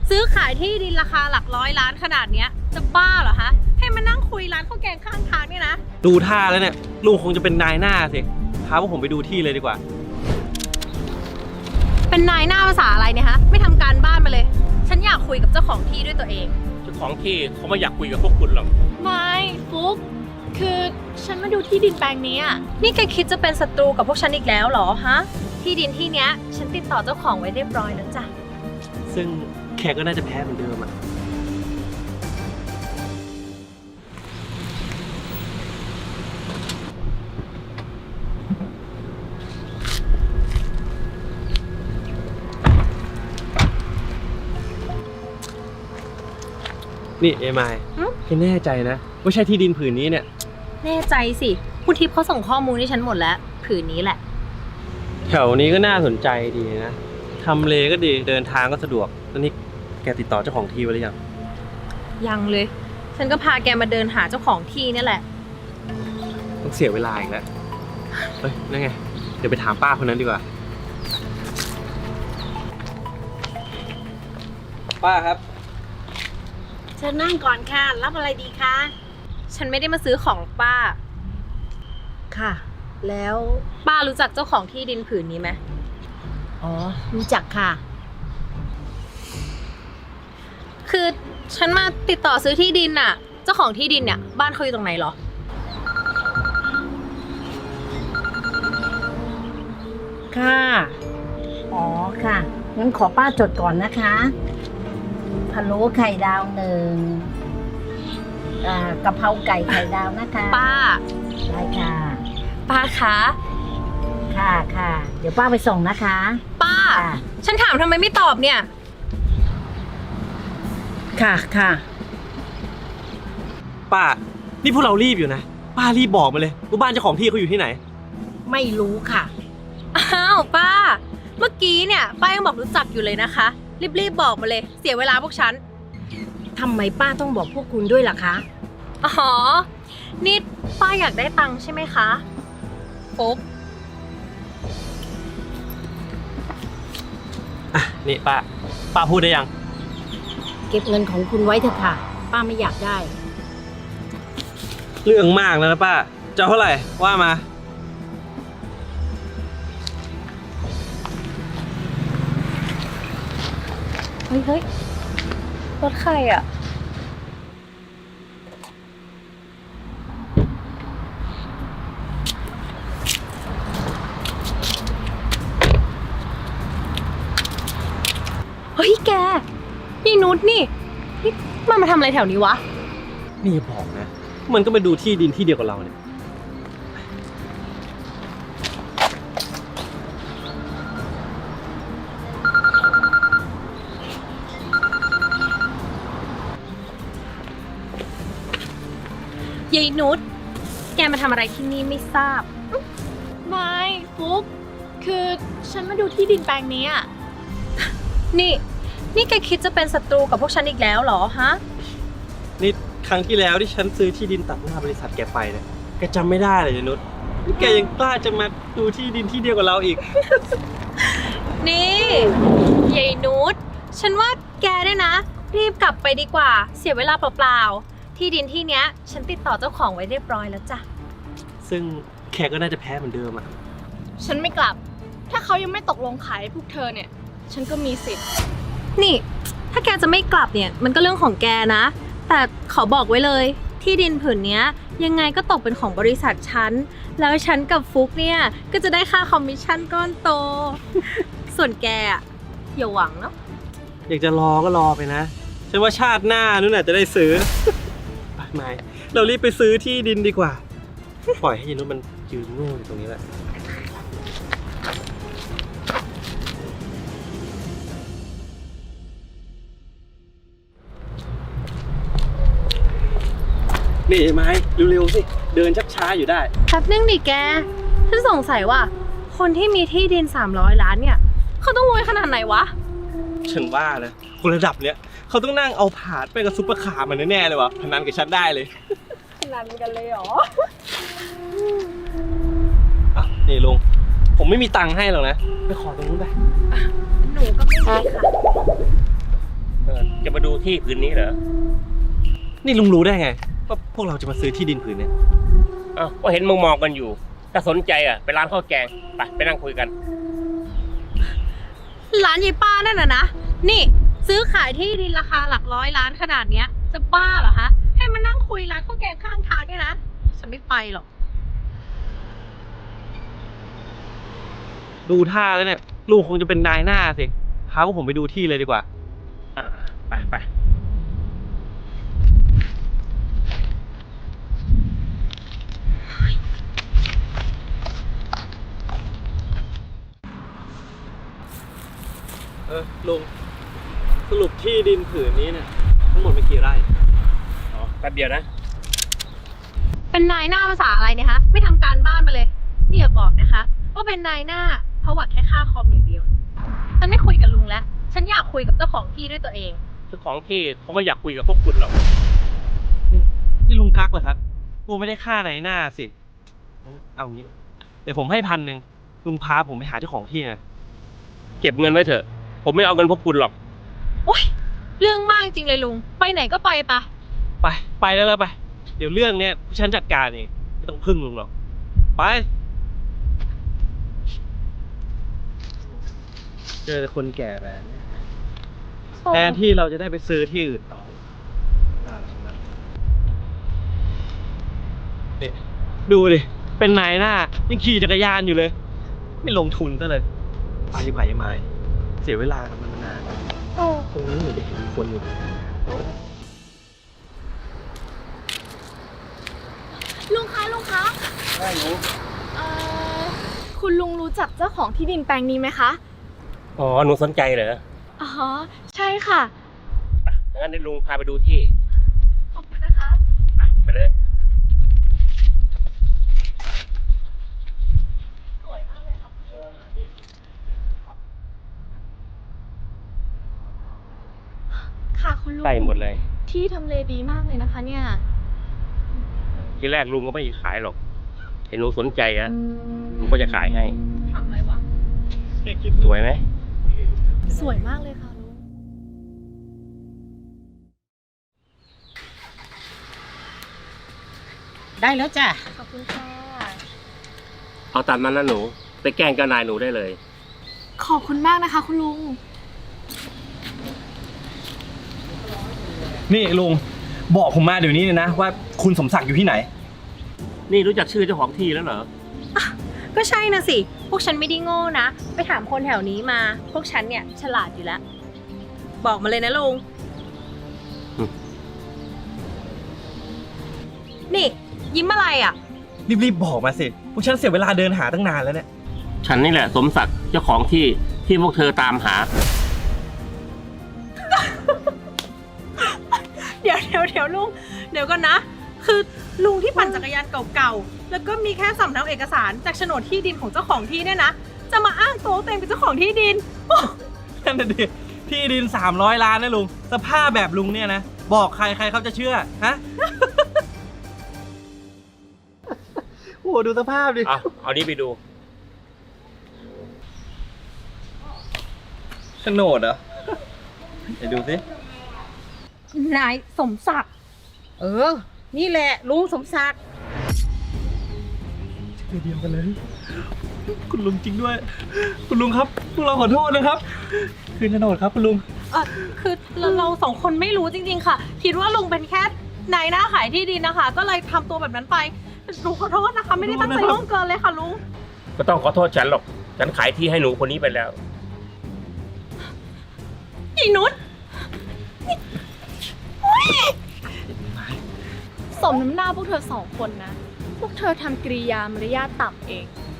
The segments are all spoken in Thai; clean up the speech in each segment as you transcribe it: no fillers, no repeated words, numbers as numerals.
ซื้อขายที่ดินราคาหลักร้อยล้านขนาดเนี้ยจะบ้าเหรอฮะให้มานั่งคุยร้านข้าวแกงข้างทางนี่นะดูท่าแล้วเนี่ยลุงคงจะเป็นนายหน้าสิพาพวกผมไปดูที่เลยดีกว่าเป็นนายหน้าภาษาอะไรเนี่ยฮะไม่ทำการบ้านมาเลย ฉันอยากคุยกับเจ้าของที่ด้วยตัวเองเจ้าของที่เขาไม่อยากคุยกับพวกคุณหรอกไม่ฟุกคือฉันมาดูที่ดินแปลงนี้อะนี่แกคิดจะเป็นศัตรูกับพวกฉันอีกแล้วเหรอฮะที่ดินที่เนี้ยฉันติดต่อเจ้าของไว้เรียบร้อยแล้วจ้ะซึ่งแขกก็น่าจะแพ้เหมือนเดิมอ่ะนี่เอมายแกแน่ใจนะว่าใช่ที่ดินผืนนี้เนี่ยแน่ใจสิคุณทิพย์เขาส่งข้อมูลให้ฉันหมดแล้วผืนนี้แหละแถวนี้ก็น่าสนใจดีนะทำเลก็ดีเดินทางก็สะดวกแล้วนี่แกติดต่อเจ้าของที่ไว้หรือยังยังเลย ฉันก็พาแกมาเดินหาเจ้าของที่นี่แหละต้องเสียเวลาอีกแล้วเฮ้ยนั่นไงเดี๋ยวไปถามป้าคนนั้นดีกว่าป้าครับเชิญนั่งก่อนค่ะ รับอะไรดีคะฉันไม่ได้มาซื้อของป้าค่ะ แล้วป้ารู้จักเจ้าของที่ดินผืนนี้ไหมอ๋อ รู้จักค่ะคือฉันมาติดต่อซื้อที่ดินน่ะ เจ้าของที่ดินเนี่ยบ้านเขาอยู่ตรงไหนเหรอค่ะ อ๋อ ค่ะ งั้นขอป้าจดก่อนนะคะพะโล้ไข่ดาว1กะเพราไก่ไข่ดาวนะคะป้าได้ค่ะป้าคะค่ะค่ะ เดี๋ยวป้าไปส่งนะคะป้าค่ะฉันถามทำไมไม่ตอบเนี่ยค่ะค่ะป้านี่พวกเรารีบอยู่นะป้ารีบบอกมาเลยว่าบ้านเจ้าของที่เขาอยู่ที่ไหนไม่รู้ค่ะอ้าวป้า เมื่อกี้เนี่ยป้ายังบอกรู้จักอยู่เลยนะคะ รีบๆบอกมาเลย เสียเวลาพวกฉันทำไมป้าต้องบอกพวกคุณด้วยล่ะคะอ๋อ นี่ป้าอยากได้ตังค์ใช่ไหมคะฟุ๊กอ่ะนี่ป้าพูดได้ยังเก็บเงินของคุณไว้เถอะค่ะ ป้าไม่อยากได้เรื่องมากแล้วนะป้าจะเอาเท่าไหร่ว่ามาเฮ้ยรถใครอ่ะ เฮ้ยแกนี่นุชนี่มันมาทำอะไรแถวนี้วะนี่อย่าบอกนะมันก็มาดูที่ดินที่เดียวกับเราเนี่ยยายนุชแกมาทำอะไรที่นี่ไม่ทราบไม่ฟุกคือฉันมาดูที่ดินแปลงนี้อะนี่แกคิดจะเป็นศัตรูกับพวกฉันอีกแล้วเหรอฮะนี่ครั้งที่แล้วที่ฉันซื้อที่ดินตัดหน้าบริษัทแกไปเนี่ยแกจำไม่ได้เลยนุชนี่แกยังกล้าจะมาดูที่ดินที่เดียวกับเราอีกนี่ยายนุชฉันว่าแกเนี่ยนะ รีบกลับไปดีกว่า เสียเวลาเปล่าๆที่ดินที่เนี้ย ฉันติดต่อเจ้าของไว้เรียบร้อยแล้วจ้ะซึ่งแขกก็น่าจะแพ้เหมือนเดิมอ่ะฉันไม่กลับ ถ้าเขายังไม่ตกลงขายให้พวกเธอเนี่ย ฉันก็มีสิทธิ์นี่ถ้าแกจะไม่กลับเนี่ยมันก็เรื่องของแกนะ แต่ขอบอกไว้เลยที่ดินผืนเนี้ยยังไงก็ตกเป็นของบริษัทฉันแล้วฉันกับฟุกเนี่ยก็จะได้ค่าคอมมิชชั่นก้อนโต ส่วนแกอะอย่าหวังเนาะอยากจะรอก็รอไปนะฉันว่าชาติหน้านู่นน่ะจะได้ซื้อ ไปไม่เรารีบไปซื้อที่ดินดีกว่า ปล่อยให้ยายนุชมันยืนโง่อยู่ตรงนี้แหละนี่ไม้เร็วๆสิเดินชักช้าอยู่ได้แป๊บนึงดิแกฉันสงสัยว่าคนที่มีที่ดิน300 ล้านเนี่ยเขาต้องรวยขนาดไหนวะฉันว่านะคนระดับเนี้ยเขาต้องนั่งเอาผาดไปกับซุปเปอร์คาร์มันแน่ๆเลยวะพนันกับฉันได้เลยขนาดกันเลยเหรออ่ะนี่ลุงผมไม่มีตังค์ให้หรอกนะไปขอตรงนู้นไปหนูก็ไม่มีค่ะเออจะมาดูที่ผืนนี้เหรอนี่ลุงรู้ได้ไงว่าพวกเราจะมาซื้อที่ดินผืนเนี้ยอ้าวก็เห็นมองกันอยู่ ถ้าสนใจอ่ะไปร้านข้าวแกงไปนั่งคุยกันร้านยายป้านั่นน่ะนะ นี่ซื้อขายที่ดินราคาหลักร้อยล้านขนาดเนี้ย จะบ้าเหรอคะ ให้มานั่งคุยร้านข้าวแกงข้างทางด้วยนะ ฉันไม่ไปหรอกดูท่าแล้วเนี่ยลุงคงจะเป็นนายหน้าสิพาพวกผมไปดูที่เลยดีกว่าไปลุงสรุปที่ดินผืนนี้เนี่ยทั้งหมดเป็นกี่ไร่อ๋อแป๊บเดียวนะเป็นนายหน้าภาษาอะไรเนี่ยคะ ไม่ทำการบ้านมาเลย นี่อย่าบอกนะคะว่าเป็นนายหน้าเพราะหวังแค่ค่าคอมอย่างเดียว ฉันไม่คุยกับลุงแล้ว ฉันอยากคุยกับเจ้าของที่ด้วยตัวเองเจ้าของที่เขาก็อยากคุยกับพวกคุณหรอกนี่ลุงทักเหรอครับกูไม่ได้ค่านายหน้าสิเอางี้เดี๋ยวผมให้1,000ลุงพาผมไปหาเจ้าของที่นะเก็บเงินไว้เถอะ ผมไม่เอาเงินพวกคุณหรอกโอ๊ย เรื่องมากจริงเลยลุง ไปไหนก็ไปปะไปแล้วไปเดี๋ยวเรื่องเนี้ยผู้ฉันจัดการเองไม่ต้องพึ่งลุงหรอกไปเจอแต่คนแก่แบบนี้แทนที่เราจะได้ไปซื้อที่อื่นต่อนี่ดูดิเป็นนายหน้ายังขี่จักรยานอยู่เลย ไม่ลงทุนซะเลยไปยังไงยังไงเสียเวลากับมันมานานตรงนี้เหมือนจะเห็นคนอยู่ลุงคะคุณลุงรู้จักเจ้าของที่ดินแปลงนี้ไหมคะอ๋อ หนูสนใจเหรออ๋อ ใช่ค่ะงั้นเดี๋ยวลุงพาไปดูที่ขอบคุณนะคะไปเลยค่ะคุณลุงใกล้หมดเลยที่ทำเลดีมากเลยนะคะเนี่ยทีแรกลุงก็ไม่ขายหรอก เห็นหนูสนใจอะลุงก็จะขายให้ทำอะไรวะสวยไหมสวยมากเลยค่ะลุงได้แล้วจ้ะขอบคุณค่ะเอาตามนั้นนะหนู ไปแกล้งเจ้านายหนูได้เลยขอบคุณมากนะคะ คุณลุงนี่ลุงบอกผมมาเดี๋ยวนี้เลยนะว่าคุณสมศักดิ์อยู่ที่ไหนนี่รู้จักชื่อเจ้าของที่แล้วเหรอก็ใช่นะสิ พวกฉันไม่ได้โง่นะ ไปถามคนแถวนี้มา พวกฉันเนี่ยฉลาดอยู่แล้ว บอกมาเลยนะลุงอืมนี่ ยิ้มอะไรอ่ะรีบๆบอกมาสิพวกฉันเสียเวลาเดินหาตั้งนานแล้วเนี่ยฉันนี่แหละสมศักดิ์เจ้าของที่ที่พวกเธอตามหาเดี๋ยวลุง เดี๋ยวก่อนนะ คือลุงที่ปั่นจักรยานเก่าๆ แล้วก็มีแค่สำเนาเอกสารจากโฉนดที่ดินของเจ้าของที่เนี่ยนะ จะมาอ้างตัวว่าตัวเองเป็นเจ้าของที่ดินนั่นน่ะดิที่ดิน300 ล้านนะลุงสภาพแบบลุงเนี่ยนะบอกใครเขาจะเชื่อฮะ โอ้โหดูสภาพดิเอานี้ไปดูโฉนดเหรอเดี๋ยวดูสินายสมศักดิ์นี่แหละลุงสมศักดิ์เดียวกันเลย คุณลุงจริงด้วย คุณลุงครับพวกเราขอโทษนะครับ คืนโฉนดครับคุณลุงคือเราสองคนไม่รู้จริงๆค่ะ คิดว่าลุงเป็นแค่นายหน้าขายที่ดินนะคะ ก็เลยทำตัวแบบนั้นไปลุงขอโทษนะคะ ไม่ได้ตั้งใจล่วงเกินเลยค่ะลุงก็ต้องขอโทษฉันหรอก ฉันขายที่ให้หนูคนนี้ไปแล้วอีนุชสมน้ำหน้าพวกเธอสองคนนะ พวกเธอทำกริยามารยาทต่ำเอง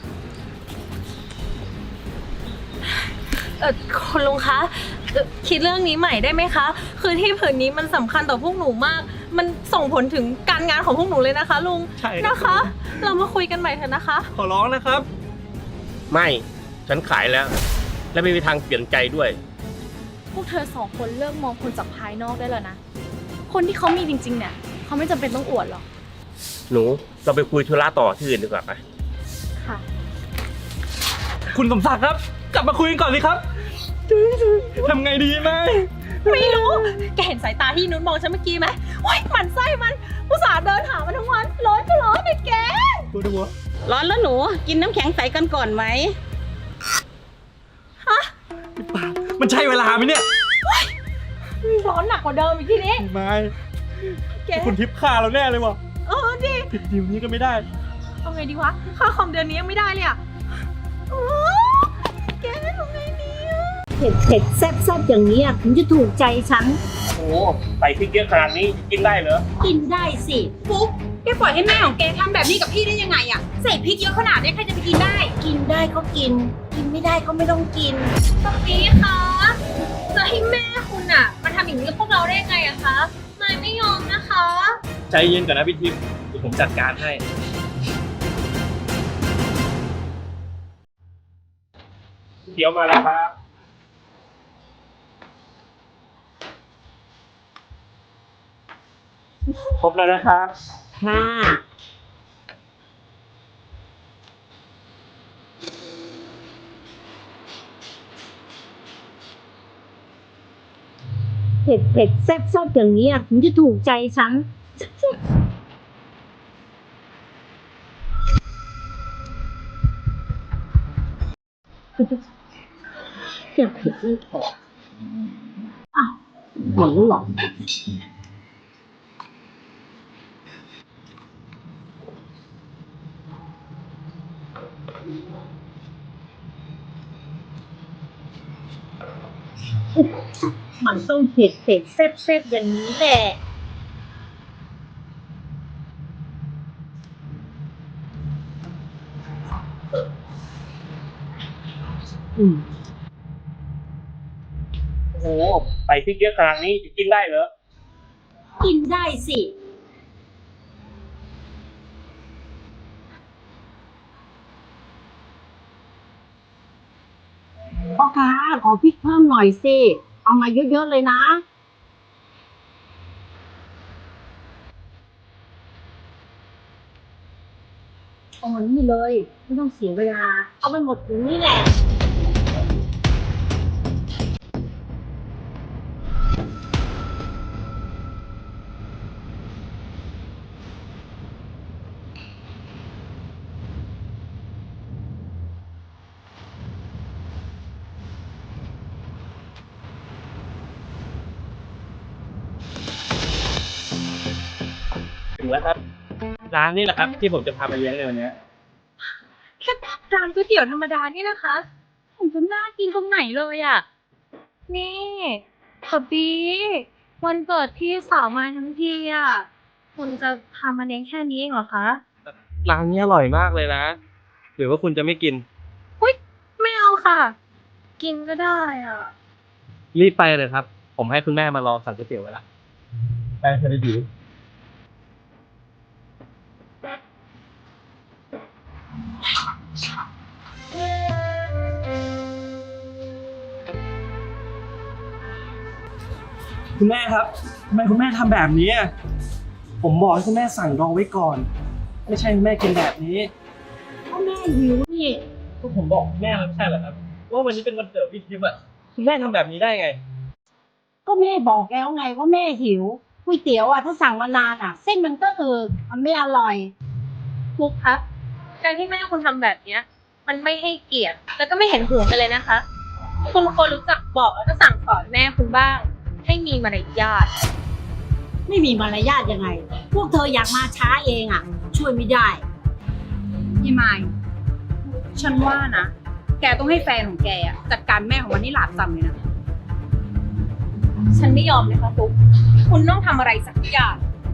คุณลุงคะคิดเรื่องนี้ใหม่ได้ไหมคะ คือที่ผืนนี้มันสำคัญต่อพวกหนูมาก มันส่งผลถึงการงานของพวกหนูเลยนะคะลุงใช่ครับนะคะ เรามาคุยกันใหม่เถอะนะคะขอร้องนะครับไม่ ฉันขายแล้ว และไม่มีทางเปลี่ยนใจด้วยพวกเธอสองคนเลิกมองคนจากภายนอกได้แล้วนะ คนที่เขามีจริงๆเนี่ยเขาไม่จำเป็นต้องอวดหรอกหนู เราไปคุยธุระต่อที่อื่นดีกว่าไปค่ะคุณสมศักดิ์ครับ กลับมาคุยกันก่อนสิครับทำไงดีไหมไม่รู้ แกเห็นสายตาที่นุ้นมองฉันเมื่อกี้ไหมโอ๊ยหมันไส้มันอุตส่าห์เดินหามันทั้งวัน ร้อนก็ร้อนเลยแกดูดูวะร้อนแล้วหนู กินน้ำแข็งใสกันก่อนไหมมันใช่เวลาไหมเนี่ยร้อนหนักกว่าเดิมอีกทีนี้ไม่แกคุณทิพย์ฆ่าเราแน่เลยว่ะดิผิดดีลนี้ก็ไม่ได้เอาไงดีวะ ค่าคอมเดือนนี้ยังไม่ได้เลยอะโอ้แกทำไงดีอะเผ็ดเผ็ดแซ่บแซ่บอย่างนี้ยถึงจะถูกใจฉันโอ้ใส่พริกเยอะขนาดนี้กินได้เหรอกินได้สิฟุ๊กแกปล่อยให้แม่ของแกทำแบบนี้กับพี่ได้ยังไงอะใส่พริกเยอะขนาดนี้ใครจะไปกินได้กินได้ก็กิน กินไม่ได้ก็ไม่ต้องกินตรงนี้คะจะให้แม่คุณอะมาทำอย่างนี้กับพวกเราได้ยังไงอะคะนายไม่ยอมนะคะใจเย็นก่อนนะพี่ทิพย์เดี๋ยวผมจัดการให้เดี๋ยวมาแล้วครับครบแล้วนะครับค่ะ เผ็ดเผ็ดแซ่บแซ่บอย่างนี้ยถึงจะถูกใจฉัน จะเผ็ดไม่พออ้าวหมดแล้วเหรอ มันต้องเผ็ดเผ็ดแซ่บแซ่บอย่างนี้แหละโอ้ใส่พริกเยอะขนาดนี้กินได้เหรอกินได้สิ พ่อค้าขอพริกเพิ่มหน่อยสิ เอามาเยอะๆเลยนะ เอามานี่เลย ไม่ต้องเสียเวลา เอาไปหมดถุงนี่แหละถึงแล้วครับ ร้านนี้แหละครับที่ผมจะพาไปเลี้ยงในวันนี้แค่ร้านก๋วยเตี๋ยวธรรมดานี่นะคะผมจะน่ากินตรงไหนเลยอะนี่ขอบีวันเกิดพี่สาวมาทั้งทีอะคุณจะพามาเลี้ยงแค่นี้เองเหรอคะร้านนี้อร่อยมากเลยนะ หรือว่าคุณจะไม่กินอุ้ยไม่เอาค่ะ กินก็ได้อะรีบไปเลยครับ ผมให้คุณแม่มารอสั่งก๋วยเตี๋ยวไว้ละไปเธอได้ดี คุณแม่ครับทำไมคุณแม่ทำแบบนี้อะผมบอกให้คุณแม่สั่งรองไว้ก่อน ไม่ใช่คุณแม่กินแบบนี้พ่อแม่หิวนี่ก็ผมบอกคุณแม่แล้วไม่ใช่เหรอครับ ว่าวันนี้เป็นวันเกิดพี่ทิพย์อะคุณแม่ทำแบบนี้ได้ไงก็แม่บอกแล้วไงว่าแม่หิวก๋วยเตี๋ยวอ่ะถ้าสั่งมานานอ่ะ เส้นมันก็มันไม่อร่อยฟุกครับการที่แม่คุณทำแบบเนี้ย มันไม่ให้เกียรติแล้วก็ไม่เห็นหัวกันเลยนะคะ คุณควรรู้จักบอกแล้วก็สั่งสอนแม่คุณบ้าง ให้มีมารยาทไม่มีมารยาทยังไง พวกเธออยากมาช้าเองอ่ะ ช่วยไม่ได้พี่ไมค์ฉันว่านะ แกต้องให้แฟนของแกอะจัดการแม่ของวันนี้หลาบจำเลยนะฉันไม่ยอมนะคะฟุกคุณต้องทำอะไรสักอย่าง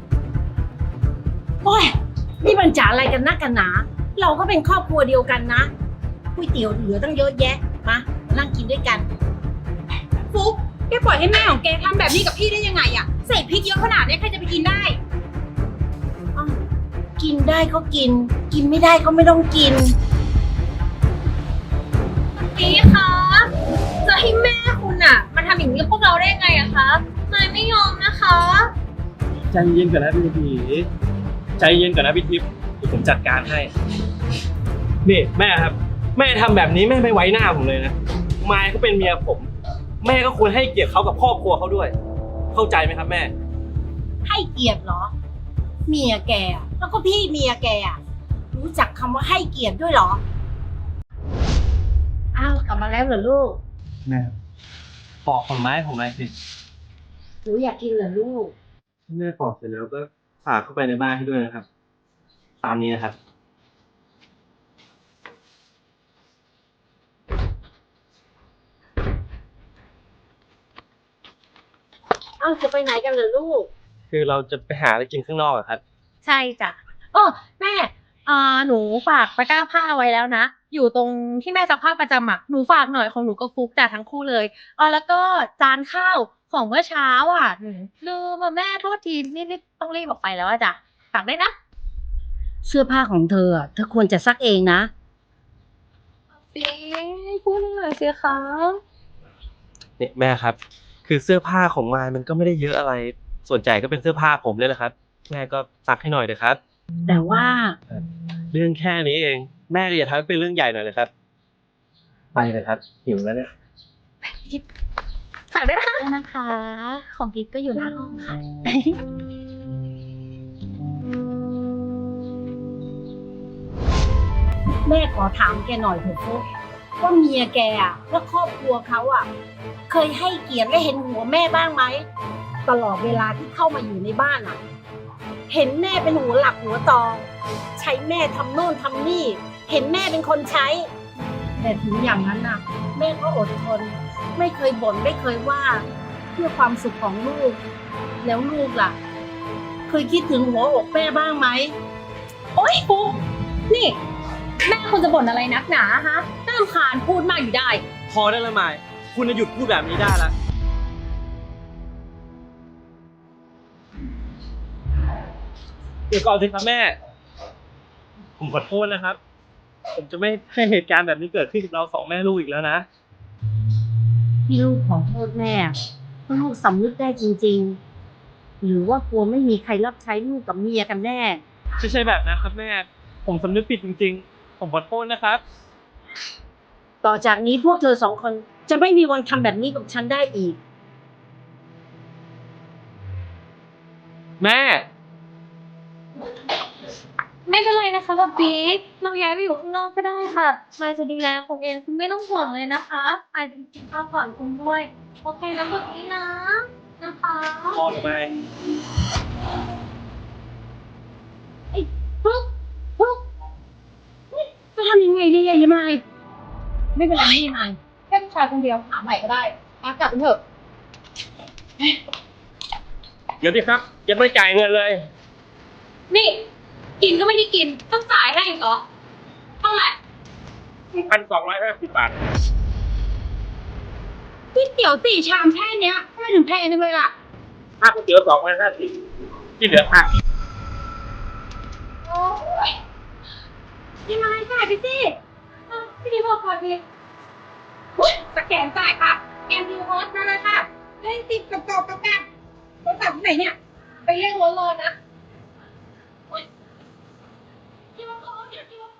โอ้ยนี่มันจ๋าอะไรกันนักกันหนา เราก็เป็นครอบครัวเดียวกันนะก๋วยเตี๋ยวเหลือตั้งเยอะแยะ มานั่งกินด้วยกันฟุกแกปล่อยให้แม่ของแกทำแบบนี้กับพี่ได้ยังไงอะใส่พริกเยอะขนาดนี้ใครจะไปกินได้กินได้ก็กิน กินไม่ได้ก็ไม่ต้องกินนี่คะจะให้แม่คุณอะมาทำอย่างนี้กับพวกเราได้ยังไงอะคะนายไม่ยอมนะคะใจเย็นก่อนนะพี่ทิพย์ใจเย็นก่อนนะพี่ทิพย์เดี๋ยวผมจัดการให้ นี่แม่ครับ แม่ทำแบบนี้แม่ไม่ไว้หน้าผมเลยนะมายเขาเป็นเมียผมแม่ก็ควรให้เกียรติเขากับครอบครัวเขาด้วย เข้าใจไหมครับแม่ให้เกียรติเหรอ เมียแกอะแล้วก็พี่เมียแกอะรู้จักคำว่าให้เกียรติด้วยเหรอ อ้าวกลับมาแล้วเหรอลูกแม่ปอกผลไม้ผมหน่อยสิหนูอยากกินเหรอลูกแม่ปอกเสร็จแล้วก็ฝากเข้าไปในบ้านให้ด้วยนะครับ ตามนี้นะครับอ้าวจะไปไหนกันเหรอลูกคือเราจะไปหาอะไรกินข้างนอกอะครับใช่จ้ะโอ้แม่หนูฝากตะกร้าผ้าไว้แล้วนะ อยู่ตรงที่แม่ซักผ้าประจำอ่ะ หนูฝากหน่อยของหนูก็ฟุกจ้ะทั้งคู่เลยแล้วก็จานข้าวของเมื่อเช้าอ่ะหนูลืมแม่โทษทีนี่ต้องรีบออกไปแล้วอะจ้ะฝากได้นะเสื้อผ้าของเธออะเธอควรจะซักเองนะพูดหน่อยสิคะนี่แม่ครับ คือเสื้อผ้าของมายมันก็ไม่ได้เยอะอะไร ส่วนใหญ่ก็เป็นเสื้อผ้าผมเลยแหละครับ แม่ก็ซักให้หน่อยเถอะครับแต่ว่าเรื่องแค่นี้เอง แม่ก็อย่าทำให้เป็นเรื่องใหญ่หน่อยเลยครับ ไปเลยครับ หิวแล้วเนี่ยฝากด้วยนะคะ ของกิ๊กก็อยู่หน้าห้องค่ะแม่ขอถามแกหน่อยเถอะฟุ๊กว่าเมียแกอะและครอบครัวเขาอะเคยให้เกียรติและเห็นหัวแม่บ้างไหมตลอดเวลาที่เข้ามาอยู่ในบ้านอะเห็นแม่เป็นหัวหลักหัวตอใช้แม่ทำโน่นทำนี่ เห็นแม่เป็นคนใช้ แต่ถึงอย่างนั้นน่ะ แม่ก็อดทน ไม่เคยบ่นไม่เคยว่า เพื่อความสุขของลูก แล้วลูกล่ะ เคยคิดถึงหัวอกแม่บ้างไหมโอ๊ยฟุกนี่ แม่คุณจะบ่นอะไรนักหนาฮะน่ารำคาญพูดมากอยู่ได้พอได้และมายคุณจะหยุดพูดแบบนี้ได้แล้ว เดี๋ยวก่อนสิครับแม่ ผมขอโทษนะครับ ผมจะไม่ให้เหตุการณ์แบบนี้เกิดขึ้นกับเราสองแม่ลูกอีกแล้วนะที่ลูกขอโทษแม่เพราะลูกสำนึกได้จริงๆ หรือว่ากลัวไม่มีใครรับใช้ลูกกับเมียกันแน่ไม่ใช่แบบนั้นครับแม่ ผมสำนึกผิดจริงๆ ผมขอโทษนะครับต่อจากนี้พวกเธอสองคนจะไม่มีวันทำแบบนี้กับฉันได้อีกแม่ไม่เป็นไรนะคะกับบิ๊กเราย้ายไปอยู่ข้างนอกก็ได้ค่ะมายจะดูแลคุณเองคุณไม่ต้องห่วงเลยนะคะมายจะกินข้าวก่อนคุณด้วย โอเคนะแบบนี้นะนะคะพอหรือไม่ฟลุ๊กฟลุ๊กจะทำยังไงดีอะยายไมไม่เป็นไรไม่เป็นไรแค่ผู้ชายคนเดียวหาใหม่ก็ได้กลับกันเถอะเดี๋ยวดิครับยังไม่จ่ายเงินเลยนี่ กินก็ไม่ได้กินต้องจ่ายให้อีกเหรอเท่าไหร่ 1,250 บาทก๋วยเตี๋ยว4 ชามแค่เนี้ยทำไมถึงแพงจังเลยล่ะค่าก๋วยเตี๋ยว250ที่เหลือค่าโอ้ยยังไงจ่ายไปสิพี่ดีบอกก่อนดิสแกนจ่ายค่ะแกนดิวฮอสมาเลยค่ะเล่นติดกับรถตัดไหนเนี่ย ไปเรียกรถรอนะที่ว่าเขาที่ว่า